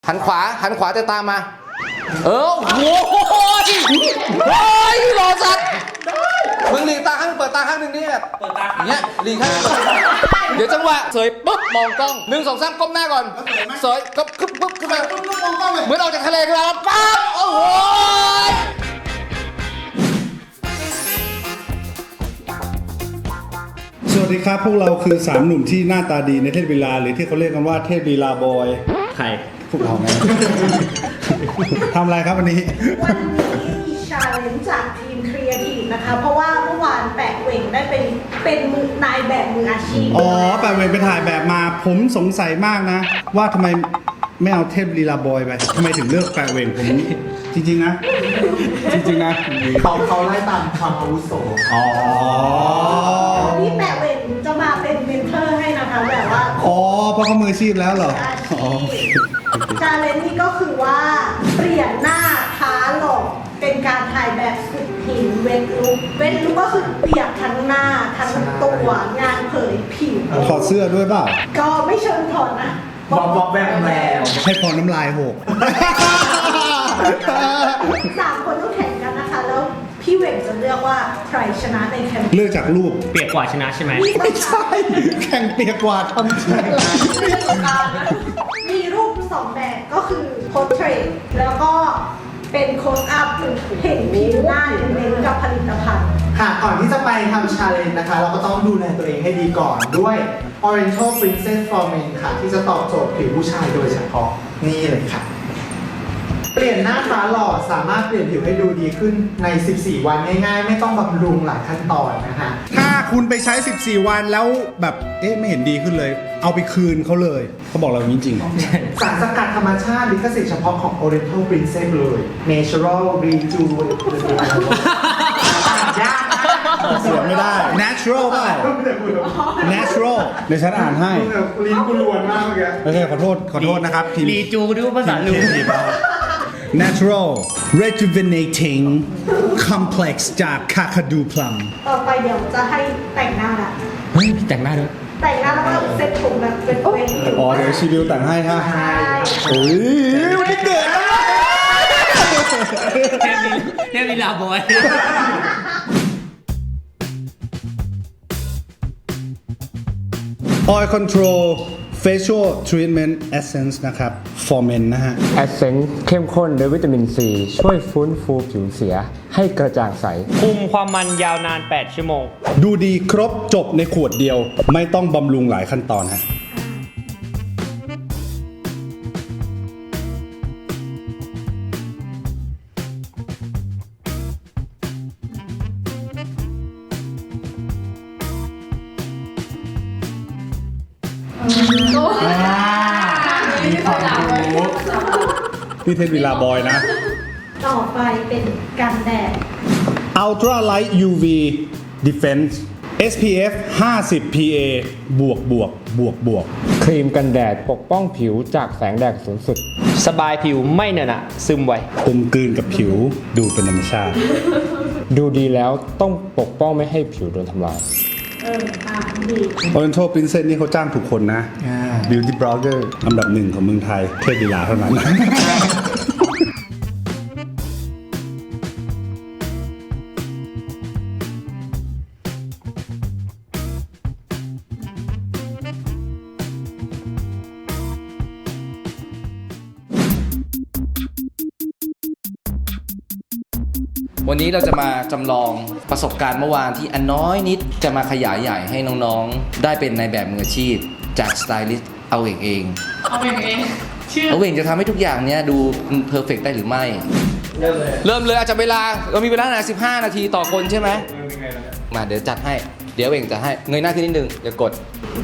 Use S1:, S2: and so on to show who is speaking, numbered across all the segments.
S1: หันขวาแต่ตามมาโอ้โหเฮ้ยหล่อสัตว์มึงหลีกตาข้างเปิดตาข้างหนึ่งนี่แบบเปิดตาข้างเนี้ยหลีกข้างเดี๋ยวจังหวะเสยปุ๊บมองกล้อง1 2 3ก้มหน้าก่อนเสยก็ปุ๊บขึ้นมาเหมือนออกจากทะเลขึ้นมาปั๊บโอ้โห
S2: สวัสดีครับพวกเราคือ3หนุ่มที่หน้าตาดีในเทพลีลาหรือที่เขาเรียกกันว่าเทพลีลาบอยใครพวกเราไง ทำอะไรครับวันนี้
S3: วันนี้มีชาเลนจ์จากทีมครีเอทีฟนะคะเพราะว่าเมื่อวานแปะเหว่งได้เป็นมือนายแบบมืออาชีพ
S2: อ๋อแปะเวงไปถ่ายแบบมาผมสงสัยมากนะว่าทำไมไม่เอาเทพลีลาบอยไปทำไมถึงเลือกแปะเวงผมจริงๆนะจริงๆนะ
S4: เขาไล่ตามความอาวุโส
S2: อ๋อ
S3: นี่แปะเหว่งจะมาเป็นเมนเทอร์ให้นะคะแบบว่า
S2: อ๋อเพราะเขามืออาชีพแล้วเหรออ๋อ
S3: ชาเลนจ์นี่ก็คือว่าเปลี่ยนหน้าท้าหลอกเป็นการถ่ายแบบสุดหินเวทลุกก็คือเปียกทั้งหน้าทั้งตัวงานเผยผิว
S2: ถอดเสื้อด้วยเปล่า
S3: ก็ไม่เชิญถอดนะ
S4: บอกแบบแล้ว
S2: ให้พอน้ำลายหก
S3: 3 คนต้องแข่งกันนะคะแล้วพี่เหว่งจะเลือกว่าใครชนะในแข่ง
S2: เลือกจากรูป
S5: เปียกกว่าชนะใช่ไหม
S2: ไม่ใช่แข่งเปียกกว่าทำใช่
S3: มีรูป2แบบก็คือโพสเทรตแล้วก็เป็นโคสอัพเห็นผิวหน้าเน้นกับผลิตภัณฑ์
S4: ค่ะก่อนที่จะไปทำชาเลนจ์นะคะเราก็ต้องดูแลตัวเองให้ดีก่อนด้วย Oriental Princess for Men ค่ะที่จะตอบโจทย์ผิวผู้ชายโดยเฉพาะนี่เลยค่ะเปลี่ยนหน้าฟ้าหล่อสามารถเปลี่ยนผิวให้ดูดีขึ้นใน 14 วันง่ายๆไม่ต้องบำรุงหลายขั้นตอนนะคะ
S2: ถ้าคุณไปใช้ 14 วันแล้วแบบไม่เห็นดีขึ้นเลย เอาไปคืนเขาเลยเขาบอกเราอย่างนี้จริงเหรอ
S4: สารสกัดธรรมชาติลิขสิทธิ์เฉพาะของ Oriental Princess เลย Natural Rejuvenate ยาก
S2: เสียไม่ได้ natural เปล่า natural เดี๋ยวฉันอ่านให้
S4: ลิ้นกูรวนมากเมื่อกี้
S2: โอเคขอโทษนะครับทีม
S5: รีจูดูภาษาลู
S2: natural rejuvenating complex จาก Kakadu Plum
S3: ต่อไปเดี๋ยวจะให้แต่งหน้าละ
S5: เฮ้ยแต่งหน้าด้วย
S3: แต่งหน้าแล้วก็เซ็ตผมแบบเป็น
S2: อ๋อเดี๋ยวชีวิวแต่งให้ฮะ
S3: ใช่
S2: โอ้ยวันนี้เกิดแล้ว
S5: เทพลีลาบอย
S2: Oil Control Facial Treatment Essence นะครับ for men นะฮะ
S6: Essence เข้มข้นด้วยวิตามิน ซีช่วยฟื้นฟูผิวเสียให้กระจ่างใส
S5: คุมความมันยาวนาน8 ชั่วโมง
S2: ดูดีครบจบในขวดเดียวไม่ต้องบำรุงหลายขั้นตอนฮะพี่เทพลีลาบอยนะ
S3: ต่อไปเป็นกันแดด
S2: Ultra Light UV Defense SPF 50 PA บวก
S6: ครีมกันแดดปกป้องผิวจากแสงแดดสูงสุด
S5: สบายผิวไม่เหนอะหนะซึมไว
S2: กลมกลืนกับผิวดูเป็นธรรมชาติ
S6: ดูดีแล้วต้องปกป้องไม่ให้ผิวโดนทำลาย
S3: ดี
S2: Oriental Princess นี่เขาจ้างถูกคนนะ Beauty Blogger อันดับ 1ของเมืองไทยเทพลีลาเท่านั้น
S1: วันนี้เราจะมาจำลองประสบการณ์เมื่อวานที่อันน้อยนิดจะมาขยายใหญ่ให้น้องๆได้เป็นในแบบมืออาชีพจากสไตลิสต์เอาเองเอาเองจะทำให้ทุกอย่างเนี้ยดูเพอร์เฟกต์ได้หรือไม่เริ่มเลยอาจจะเวลาเรามีเวลา15 นาทีต่อคนใช่ไหมมาเดี๋ยวจัดให้เดี๋ยวเองจะให้เงยหน้าขึ้นนิดนึงเดี๋ยวกด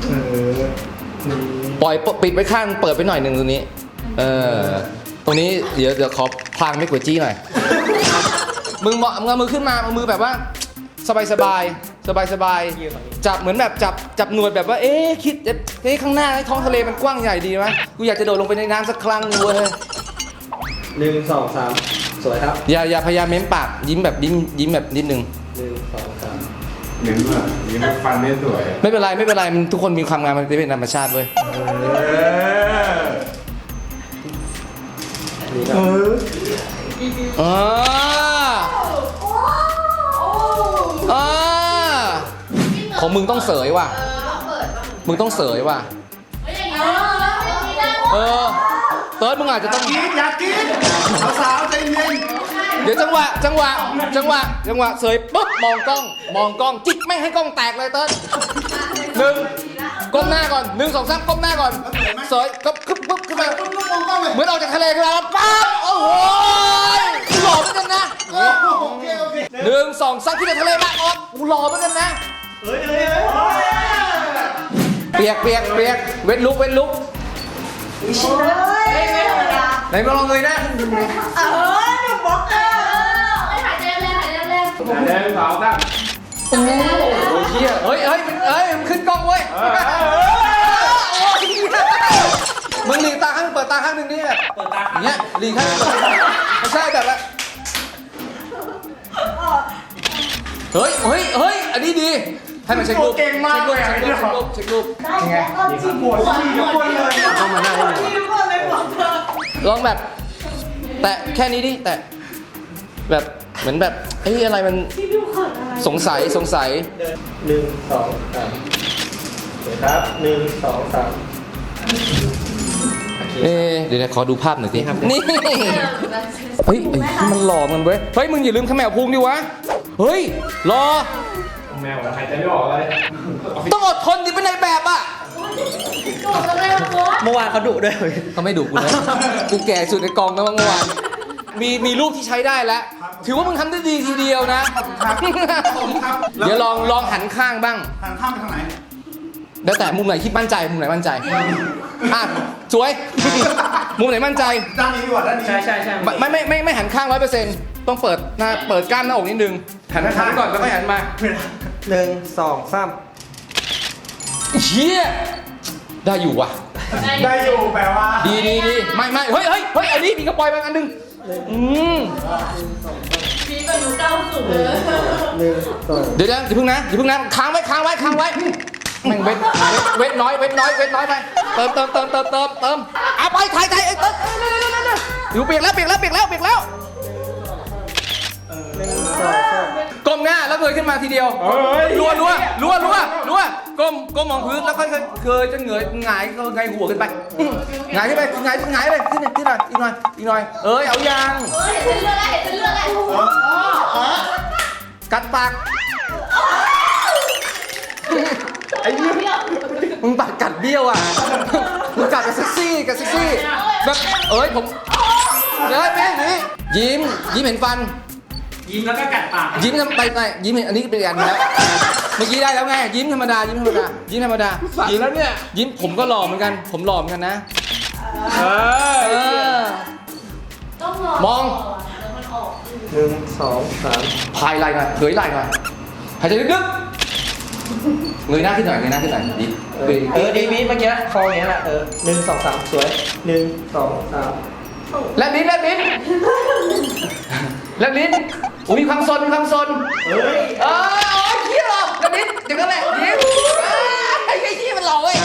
S1: ปล่อยปิดไว้ข้างเปิดไปหน่อยนึงตรงนี้ตรงนี้เดี๋ยวขอพลางไม่กวดจี้หน่อยมึงเอามือขึ้นมาเอามือแบบว่าสบายจับเหมือนแบบจับหนวดแบบว่าคิดข้างหน้าท้องทะเลมันกว้างใหญ่ดีไหมกูอยากจะโดดลงไปในน้ำสักครั้งนึงเว้ย
S4: 1 2 3สวยครับ
S1: อย่าพยายามเม้มปากยิ้มแบบยิ้มแบบนิดนึง
S4: 1 2 3
S7: เน้นว่ายิ้มฟันไม่สวย
S1: ไม่เป็นไรทุกคนมีความงามมันเป็นธรรมชาติเว้ย
S4: เออ
S1: อ่าอ่าของมึงต้องเสยว่ะ มึงต้องเสยว่ะ เออ เติร์ดมึงอาจจะต้อง
S2: อยากกินสาวๆใจเย็น
S1: เดี๋ยวจังหวะเสยปุ๊บมองกล้องจิกไม่ให้กล้องแตกเลยเติร์ดหนึ่งก้มหน้าก่อน1 2 3ก้มหน้าก่อนเสยก็ปุ๊บขึ้นมาเหมือนออกจากทะเลขึ้นมาแล้วปั๊บโอ้โหหล่อเหมือนกันนะ
S2: โอเค
S1: 1 2 3ขึ้นจากทะเลมาออกหล่อเหมือนกันนะเปียกเว้นลุก
S3: เฮ้ยไม่ธรรมดา
S1: ไหนมาลองเลยนะ
S3: หนุ่มบล็อกเกอร์
S1: โอ้ยเชี่ยเฮ้ยมันขึ้นกล้องเว้ยมึงหลีตาข้างเปิดตาข้างหนึ่งนี่แบบเปิดตาข้างเนี้ยหลีข้างไม่ใช่แบบละเฮ้ยอันนี้ดีให้มันเช็ครูปเก่งมากเลยเช็ครูป
S3: ได้แล้วก็จิ้มหัวจิ้มทุกคนเลยต้องมาหน้าจิ้มทุกคนเลยบอกเธอ
S1: ลองแบบแตะแค่นี้ดิแตะแบบเหมือนแบบเฮ้ยอะไรมัน
S3: ที่ดูเขินอะไร
S1: สงสัย
S5: 1 2 3ครับ1 2 3
S1: เดี๋ยวขอดูภาพหน่อยสินี่เฮ้ยไอ้ที่มันหล่อมันเว้ยเฮ้ยมึงอย่าลืมขมวพุงดิวะเฮ้ยรอ
S7: แมวหายใจไม่ออกเลย
S1: ต้องอดทนดิเป็นในแบบอ่ะ
S5: เมื่อวานเขาดุด้วย
S1: เขาไม่ดุกูนะกูแก่สุดในกองนะเมื่อวานมีรูปที่ใช้ได้แล้วถือว่ามึงทำได้ดีทีเดียวนะเดี๋ยวลองหันข้างบ้าง
S2: หันข้ามไปทางไหน
S1: แล้วแต่มุมไหนคิดมั่นใจมุมไหนมั่นใจอ่ะสวยมุมไหนมั่นใจ
S2: ด้านนี้ดีกว่าด้านนี้
S5: ใช่
S1: ไม่หันข้าง100%ต้องเปิดหน้าเปิดกล้ามหน้าอกนิดนึงหันข้างก่อนแล้วค่อยหันมา
S5: 1 2 3
S1: เชี่ยได้อยู่ว่ะ
S2: ได้อยู่แปลว่า
S1: ดีไม่เฮ้ยอันนี้มีกระปอยมาอันนึงเดี๋ยวอย่าเพิ่งนะค้างไว้แม่งเวทน้อยไปเติมเอาไปถ่ายอยู่เปียกแล้วก้มหน้าแล้วเงยขึ้นมาทีเดียวรัวก้มมองพื้นแล้วค่อยเคยจะเงยหงายหัวขึ้นไปหงายขึ้นไปขึ้นหน่อยอีกหน่อยเอายางกัดปากไอ้เนี่ยมึงปากกัดเบี้ยวอ่ะมึงกัดกับเซ็กซี่แบบผมแม่นี่ยิ้มเห็นฟันยิ้มแล้วก็กัดปากยิ้มทำไปยิ้มเห็นอันนี้เป็นอันแล้วเมื่อกี้ได้แล้วไงยิ้มธรรมดายิ้มแล้วเนี่ยยิ้มผมก็หล่อเหมือนกันนะมอง
S5: 1 2 3
S1: พายไหล่หน่อยเผยไหล่หน่อยหายใจลึกๆเงยหน้าขึ้นหน่อยดิ
S5: ดีมีเมื่อกี้คออย่างนี้แหละ1 2 3 สวย1 2 3
S1: แลบลิ้นมีความซนเขี้ยหรอแลบลิ้นอย่างนั้นแหละยิ้มไอ้เขี้ยมันหล่อเว้ย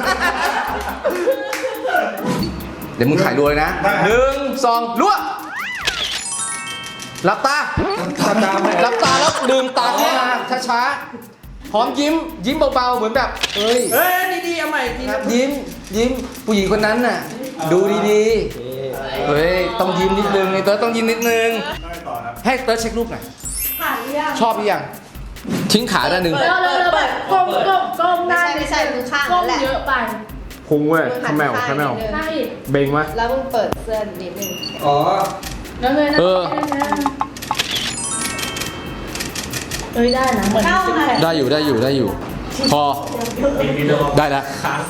S1: เดี๋ยวมึงถ่ายรัวเลยนะ1 2รัวหลับตาแล้วลืมตาขึ้นมาช้าๆพร้อมยิ้มเบาๆเหมือนแบบดีเอาใหม่ยิ้มผู้หญิงคนนั้นน่ะดูดีๆเฮ้ยต้องยิ้มนิดนึงไอ้เติร์ดต้องยิ้มนิดนึงให้เติร์ดเช็ครูปหน่อย
S3: ผ่านหรือยัง
S1: ชอบหรือยังทิ้งขาด้านหนึ่ง
S8: ก้มหน้า
S3: ไม่ใช่มือข้าง
S8: ก้
S3: นั่
S8: ม
S3: นแหละ
S8: เยอะไป
S6: พุงเว้ยขมว
S8: ใช่
S6: เบงวะ
S3: แล้วมึงเปิดเสื้อนิดนึง
S5: อ๋อ
S8: แล้วเลยนะได้นะเหมือนซิกแพค
S1: ได้อยู่พอได้แล้ว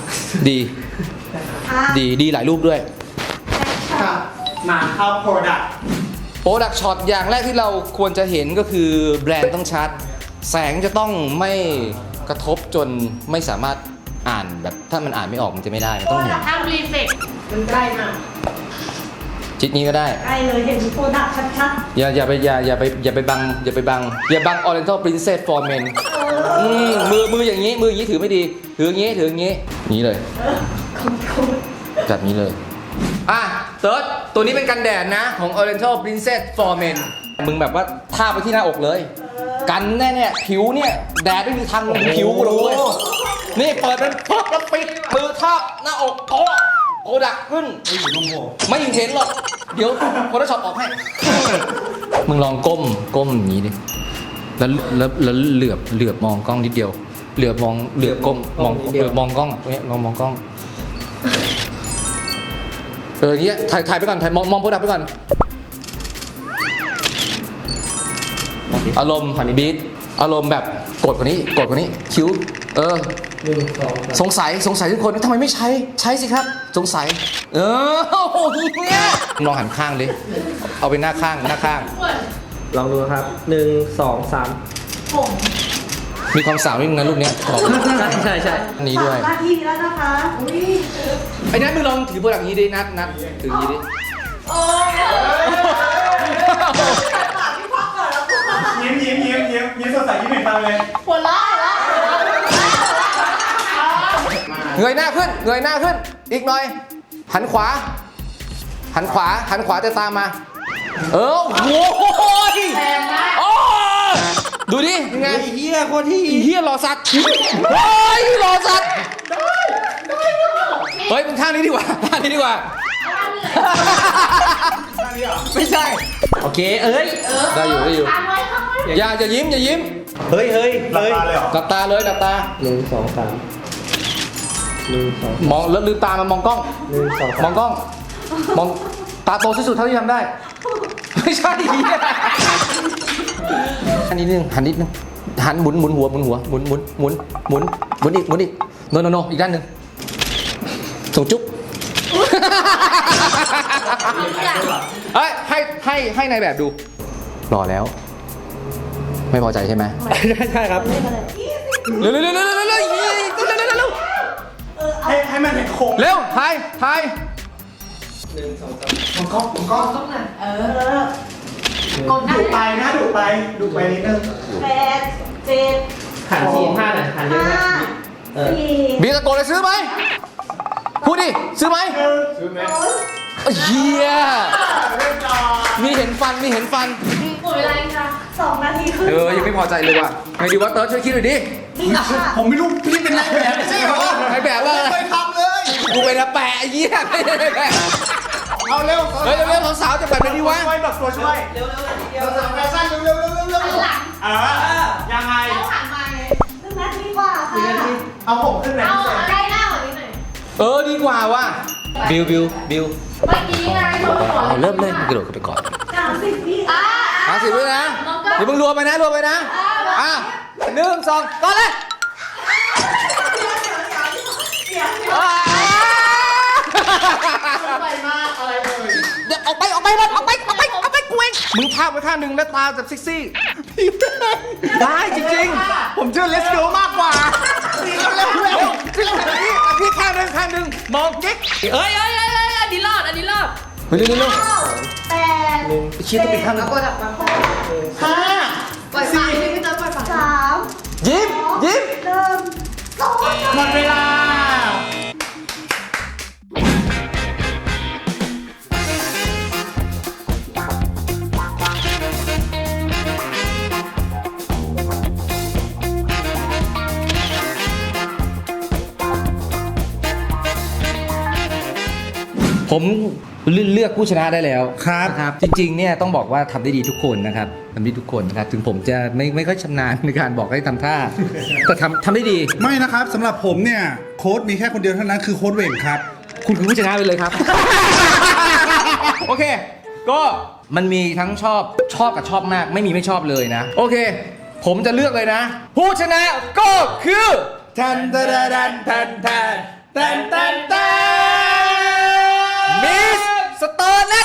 S1: ดีหลายรูปด้วย
S4: ครับมาเข้า product
S1: โปรดักช็อตอย่างแรกที่เราควรจะเห็นก็คือแบรนด์ต้องชัดแสงจะต้องไม่กระทบจนไม่สามารถอ่านแบบถ้ามันอ่านไม่ออกมันจะไม่ได้มันต้องเห็น
S8: ถ้ารีเฟกมันใกล้มาก
S1: ชิดนี้ก็ได้
S3: ใกล้เลยเห็นโปรดักต์ชัด
S1: อย่าไปบังOriental Princess for Men มืออย่างนี้ถือไม่ดีถืออย่างนี้นี้เลยจัดนี้เลยเติร์ดตัวนี้เป็นกันแดดนะของ Oriental Princess for Men มึงแบบว่าทาบไปที่หน้าอกเลย กันแน่ๆผิวเนี่ยแดดไม่มีทางลงผิวกูเลย นี่เปิดเป็นปุ๊บแล้วปิดมือทาบหน้าอกโกดักขึ้นไม่เห็นหรอก เดี๋ยวโฟโต้ช็อปออกให้ มึงลองก้มอย่างนี้ดิแล้วเหลือบมองกล้องนิดเดียวเหลือบก้มมองเหลือบมองกล้องเนี่ยลองมองกล้องอย่างเงี้ยถ่ายไปก่อนถ่ายมองโปรดักต์ไปก่อนอารมณ์บีทอารมณ์แบบกดกว่านี้คิ้วสงสัยทุกคนทำไมไม่ใช้สิครับสงสัยโอ้โหเนี่ยลองหันข้างดิเอาไปหน้าข้าง
S5: ลองดูครับ1 2 3
S3: ผม
S1: มีความสาวนิดนึงนะลูกเนี้ยบอก
S5: ใช่
S1: อันนี้ด้วย
S3: 3 นาทีแล้วนะคะอุ้ย
S1: ไอ้นัทมึงลองถือโปรดักต์นี้ดินัทถืออย่างนี้ดิ
S3: โอ้ยปากพี่พักก่อนแล้วกู
S7: ยิ้มสดใสยิ้มเห็นฟังเลย
S8: หัวเราะ
S1: เงยหน้าขึ้นอีกหน่อยหันขวาแต่ตามมาโอ้โหโอ้ดูดิยังไงเฮียโคตรที่เฮียหล่อสัตว์เฮ้ยหล่อสัตว์เฮ้ยเป็นข้างนี้ดีกว่าไม่ใช่โอเคได้อยู่
S8: ตามไว้ครับ
S1: อย่ายิ้ม
S5: เฮ้ย
S7: หลับตาเลยเหรอ
S1: หลับตาเลย
S5: 1 2 3 1 2
S1: มองแล้วลืมตามามองกล้อง
S5: 1 2
S1: มองกล้อง มองตาโตที่สุดเท่าที่ทำได้ ไม่ใช่เหี้ยหันนิดนึงหันหมุนหัวหมุนอีกโนอีกด้านหนึ่งส่งจุ๊บเฮ้ยให้นายแบบดูรอแล้ว ไม่พอใจใช่ไหม
S5: ใช่ครับ
S1: เร็ว
S7: ให้มันเป็นโครง
S1: เร็วถ่าย
S7: มันก็
S8: กดหน้า
S7: ดุไปนะดุไปนิดนึง
S3: 8 7
S5: หันที5หน่อยหันเยอะนะ
S3: 5
S1: บีตะโกนเลยซื้อไหมพูดดิซื้อไหม
S7: ซื้อไหม
S1: เฮีย
S7: เรียบร้อย
S1: มีเห็นฟัน
S8: หมดเวลาอีกค่ะ
S3: 2 นาทีครึ่ง
S1: ยังไม่พอใจเลยว่ะไงดีวะเติร์ดช่วยคิดหน่อยดิ
S3: นี่ค่ะ
S7: ผมไม่รู้พี่เป็นนายแบบไม่ใช่เหรอ
S1: ไอแบบว่าอะไร
S7: ไม่เคยทำเลย
S1: กูเป็นนักแปะไอ้เหี้ยไม่ได้แปะ
S7: เอาเร็ว
S1: เฮ้ยเร็วๆสาวๆจะแบบไหนดีวะ
S7: ช่วยแบบตัวช่วยสาวแฟชั่นเร็ว
S8: หันหลัง
S7: ยังไง
S8: แล้วหันมาไง
S3: 1 นาทีกว่าค่ะ
S4: เอาผมขึ้นไป
S8: เอา
S4: พิเศษ
S8: ใกล้หน้ากว่านี้หน่อย
S1: ดีกว่าว่ะบิว
S8: เมื่อกี้ไงโทรก่อน
S1: เอาเริ่มเลยกระโดดขึ้นไปก่อน
S3: 30 วิ
S1: 50วินะเดี๋ยวมึงรวมไปนะอ่ะ1 2ก่อนเลย
S7: ไปมากอะไรเลย
S1: เดี๋ยวออกไปหมดออกไปกูเองมึงพาไปข้างหนึ่งแล้วตาแบบเซ็กซี่ได้จริงๆ
S7: ผมเชื่อเลสโกมากกว่าเร็ว
S1: พี่ข้างหนึ่งมองกิ๊กเอ้ย
S8: อันนี้รอด
S1: เฮ้ยเร็ว
S3: 8
S1: ชี้ต้องไปข้างหนึ่ง
S3: 5
S8: ปล่อยปากพี่เติร์ดปล่อยปาก
S3: 3
S1: ยิ้ม
S3: 1 2
S7: หมดเวลา
S1: ผมเลือกผู้ชนะได้แล้ว
S2: ครับ
S1: นะครับจริงๆเนี่ยต้องบอกว่าทำได้ดีทุกคนนะครับทำได้ทุกคนนะครับถึงผมจะไม่ค่อยชำนาญในการบอกให้ทำท่า แต่ทำได้ดี
S2: ไม่นะครับสำหรับผมเนี่ยโค้ดมีแค่คนเดียวเท่านั้นคือโค้ดเหว่งครับ
S1: คุณคือผู้ชนะไปเลยครับ โอเค ก็มันมีทั้งชอบกับชอบมาก ไม่มีไม่ชอบเลยนะ โอเค ผมจะเลือกเลยนะ ผู้ชนะก็คือมิสสเตอร์เน็ต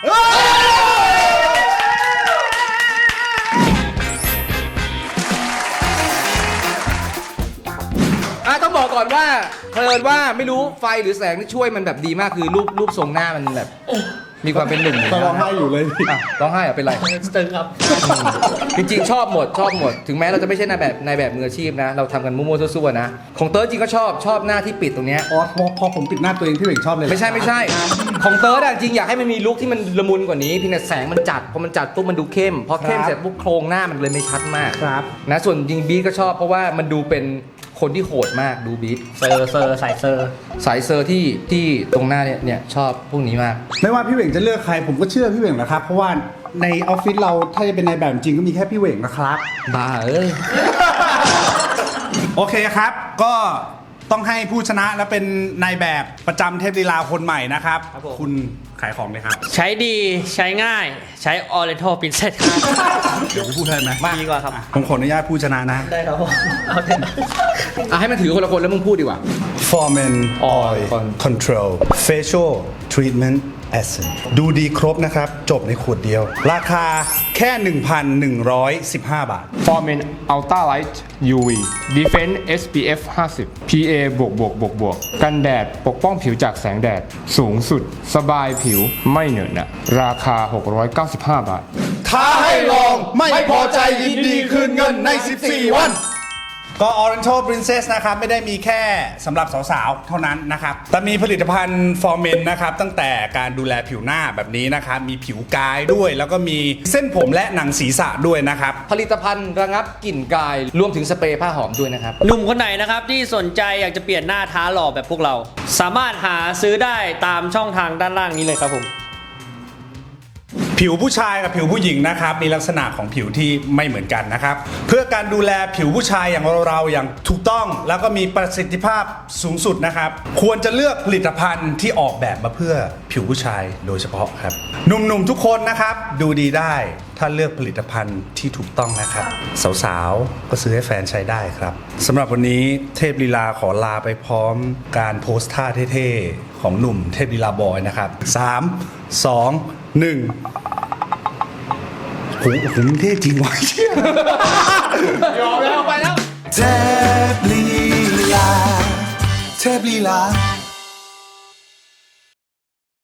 S1: ต้องบอกก่อนว่าเผอิญว่าไม่รู้ไฟหรือแสงที่ช่วยมันแบบดีมากคือรูปทรงหน้ามันแบบมีความเป็นหนุ่มอยู่
S2: ก็ร้องไห้อยู่เลย
S1: อ่ะร้องไห้เหรอเป็นไร
S5: ตึงครับ
S1: จริงๆชอบหมดถึงแม้เราจะไม่ใช่นายแบบมืออาชีพนะ เราทำกันมั่วๆซั่วๆนะของเติร์ดจริงก็ชอบหน้าที่ปิดตรงเนี้ย
S2: อ๋อพอผมปิดหน้าตัวเองพี่เหว่งชอบเลย
S1: ไม่ใช่ของเติร์ดอะจริงอยากให้มันมีลุคที่มันละมุนกว่านี้เพียงแต่แสงมันจัดพอมันจัดปุ๊บมันดูเข้มพอเข้มเสร็จปุ๊บโครงหน้ามันเลยไม่ชัดมาก
S2: ครับ
S1: นะส่วนจริงบีทก็ชอบเพราะว่ามันดูเป็นคนที่โหดมากดูบีท
S5: เซอร์สายเซอร์
S1: สายเซอร์ที่ตรงหน้าเนี่ยชอบพวกนี้มาก
S2: ไม่ว่าพี่เหว่งจะเลือกใครผมก็เชื่อพี่เหว่งแหละครับ เพราะว่าในออฟฟิศเราถ้าจะเป็นนายแบบจริงก็มีแค่พี่เหว่งนะครับ
S1: บ้าเอ้ย
S2: โอเคครับ ก็ต้องให้ผู้ชนะและเป็นนายแบบประจำเทพลีลาคนใหม่นะครับ
S5: ครับผม
S2: คุณขายของเลยครับ
S5: ใช้ดีใช้ง่ายใช้ Oriental Princess ครับ
S2: เดี๋ยวผมพูดให้ไหม
S5: ดีกว่าครับ
S2: ผมขออนุญาตผู้ชนะนะ
S5: ได้ครับผมเอาเถอะ
S1: อ่ะให้มันถือคนละคนแล้วมึงพูดดีกว่า
S2: Foreman Oil Control Facial Treatment Essence ดูดีครบนะครับ จบในขวดเดียว ราคาแค่ 1,115 บาท
S6: Formen Ultra Light UV Defense SPF 50 PA บวกกันแดดปกป้องผิวจากแสงแดด สูงสุดสบายผิวไม่เหนอะหนะราคา 695 บาท
S2: ท้าให้ลองไม่พอใจยินดีคืนเงินใน 14 วัน ก็ Oriental Princess นะครับ ไม่ได้มีแค่สำหรับสาวๆ เท่านั้นนะครับ แต่มีผลิตภัณฑ์ For Men นะครับ ตั้งแต่การดูแลผิวหน้าแบบนี้นะครับ มีผิวกายด้วย แล้วก็มีเส้นผมและหนังศีรษะด้วยนะครับ
S1: ผลิตภัณฑ์ระงับกลิ่นกายรวมถึงสเปรย์ผ้าหอมด้วยนะครับ
S5: หนุ่มคนไหนนะครับที่สนใจอยากจะเปลี่ยนหน้าท้าหล่อแบบพวกเรา สามารถหาซื้อได้ตามช่องทางด้านล่างนี้เลยครับผม
S2: ผิวผู้ชายกับผิวผู้หญิงนะครับมีลักษณะของผิวที่ไม่เหมือนกันนะครับเพื่อการดูแลผิวผู้ชายอย่างเราอย่างถูกต้องแล้วก็มีประสิทธิภาพสูงสุดนะครับควรจะเลือกผลิตภัณฑ์ที่ออกแบบมาเพื่อผิวผู้ชายโดยเฉพาะครับหนุ่มๆทุกคนนะครับดูดีได้ถ้าเลือกผลิตภัณฑ์ที่ถูกต้องนะครับสาวๆก็ซื้อให้แฟนใช้ได้ครับสำหรับวันนี้เทพลีลาขอลาไปพร้อมการโพสท่าเท่ๆของหนุ่มเทพลีลาบอยนะครับ3 2 1โหมึงเท่จริงวะเชี่ย
S1: ยอมแล้วไปแล้ว
S7: เทพลีลาเทพลีลา